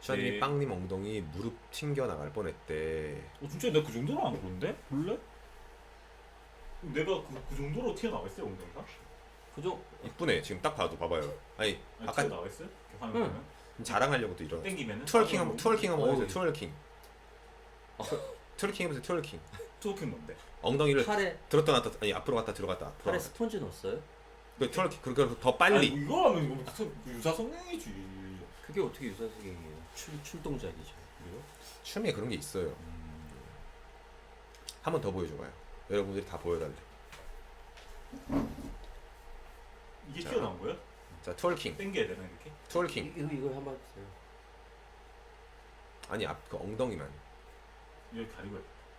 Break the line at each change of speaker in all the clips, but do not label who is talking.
슈아님이
네.
빵님 엉덩이 무릎 튕겨 나갈 뻔했대.
진짜 내가 그 정도로 안 그런데? 원래? 내가 그 정도로 튀어나와 있어요 엉덩이가?
그죠?
이쁘네 지금 딱 봐도 봐봐요. 아니
아니,
아까
튀어나와 있어요? 이렇게 화면
응.
보면?
자랑하려고 또 이런
땡기면은?
트월킹 한번
어우.
해보세요. 트월킹. 트월킹 해보세요. 트월킹.
트워킹 뭔데?
엉덩이를
팔에
들었다 놨다 아니 앞으로 갔다 들어갔다 앞으로
팔에
갔다.
스펀지 넣었어요?
그 트월킹 그러니까 더
아니
빨리.
이거 하면 이거 유사성능이지.
그게 어떻게 유사성이에요? 춤 동작이죠. 그리고
춤에 그런 게 있어요. 한 번 더 보여줘봐요. 여러분들이 다 보여달래.
이게
자.
튀어나온 거야?
자 트월킹.
땡겨야 되나 이렇게?
트월킹.
이거 한번 해주세요.
아니 앞 그 엉덩이만.
이렇게 가리고 해.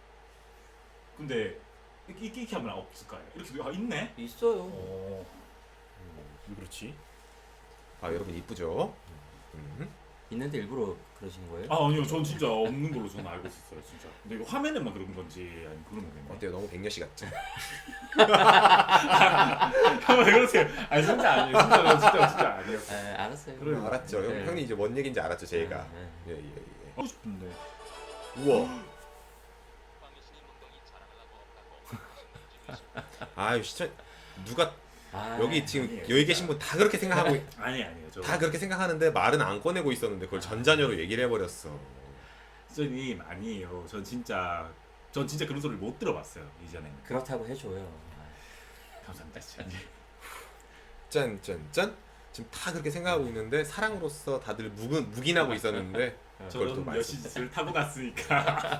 근데 이렇게 하면 없을까요? 이렇게 있네?
있어요.
어. 왜 그렇지?
아 여러분 이쁘죠?
있는데 일부러 그러시는 거예요?
아 아니요, 전 진짜 없는 걸로 저는 알고 있었어요, 진짜. 근데 이거 화면에만 그런 건지 아니 그런 거겠네.
어때요? 너무 백녀씨 같죠?
왜 그러세요? 아니 진짜 아니에요, 진짜 아니에요.
네, 알았어요.
그래요.
알았죠.
네.
형님 이제 뭔 얘기인지 알았죠, 제가.
네, 네.
예예 예.
하고 싶은데.
우와. 아유 시청 누가
아,
여기 지금
아니에요,
여기
진짜.
계신 분 다 그렇게 생각하고
아니에요, 저.
다 그렇게 생각하는데 말은 안 꺼내고 있었는데 그걸 전자녀로 얘기를 해버렸어.
선생님 아니에요. 전 진짜 그런 소리를 못 들어봤어요 이전에는.
그렇다고 해줘요.
감사합니다, 진짜.
짠짠짠. 지금 다 그렇게 생각하고 있는데 사랑으로서 다들 묵인하고 있었는데 그걸 또
저는
말씀.
여신짓을 타고 났으니까.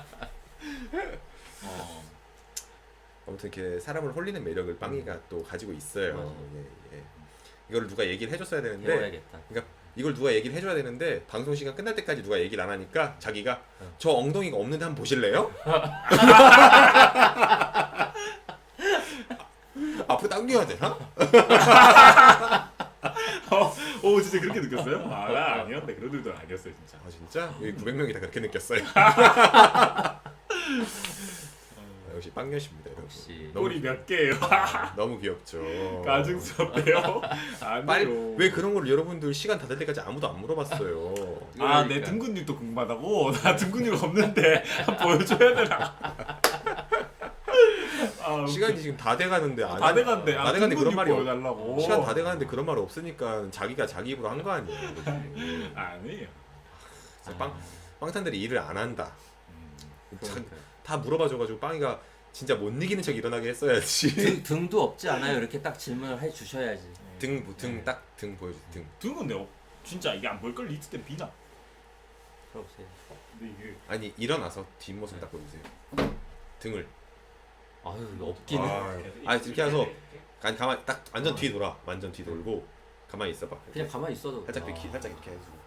아무튼 이렇게 사람을 홀리는 매력을 빵이가 또 가지고 있어요.
맞아요.
예, 예. 이거를 누가 얘기를 해줬어야 되는데
배워야겠다.
이걸 누가 얘기를 해줘야 되는데 방송 시간 끝날 때까지 누가 얘기를 안 하니까 자기가 저 엉덩이가 없는데 한번 보실래요? 앞으로 당겨야 되나?
오 진짜 그렇게 느꼈어요? 나 아니었네. 그런 일도 아니었어요 진짜.
아 진짜? 여기 900명이 다 그렇게 느꼈어요. 역시 빵녀십니다 여러분.
역시.
너무,
꼬리 몇 개예요?
너무 귀엽죠.
가증스럽대요.
빨리
아니요.
왜 그런 걸 여러분들 시간 다 될 때까지 아무도 안 물어봤어요.
내
그러니까.
등 근육도 궁금하다고? 나 등 근육 없는데 한번 보여줘야 되나?
시간이 지금 다 돼가는데 안
다 돼간대.
다 돼가는데 그런 말이
보여달라고.
시간 다 돼가는데 그런 말 없으니까 자기가 자기 입으로 한 거 아니에요. 그치?
아니에요.
그래서 빵탄들이 일을 안 한다.
그러니까요.
다 물어봐줘가지고 빵이가 진짜 못 이기는 척 일어나게 했어야지.
등도 없지 않아요? 이렇게 딱 질문을 해 주셔야지.
등 딱 등 보여줘. 등.
등은 내가 진짜 이게 안 보일 걸 리트 때 비나.
들어보세요.
근데 이게
아니 일어나서 뒷모습 딱 보여주세요. 등을.
아유 이거 없기는.
아니 이렇게 해서 아니 가만 딱 완전 뒤 돌아. 완전 뒤 돌고 가만히 있어봐.
그냥 가만히 있어도.
살짝 이렇게 살짝 이렇게 해주고.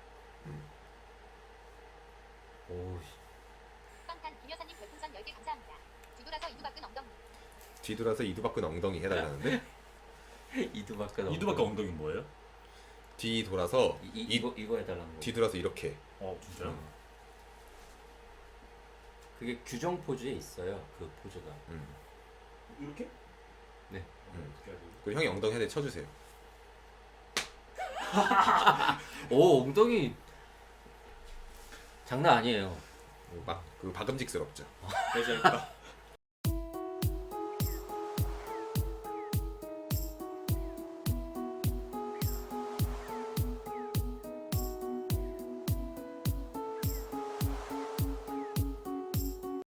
오.
빵탄 김여사님 별풍선 10개 감사합니다. 뒤돌아서 이두박근 엉덩이.
뒤돌아서 이두박근 엉덩이 해달라는데
이두박근.
이두박근 엉덩이 뭐예요?
뒤 돌아서
이거 해달라는 거.
뒤돌아서 이렇게.
진짜요?
그게 규정 포즈에 있어요. 그 포즈가.
이렇게?
네.
어떻게 해야 되지?
그리고 형이 엉덩이 한 대 쳐주세요.
오 엉덩이 장난 아니에요.
막 그 박음직스럽죠.
그래서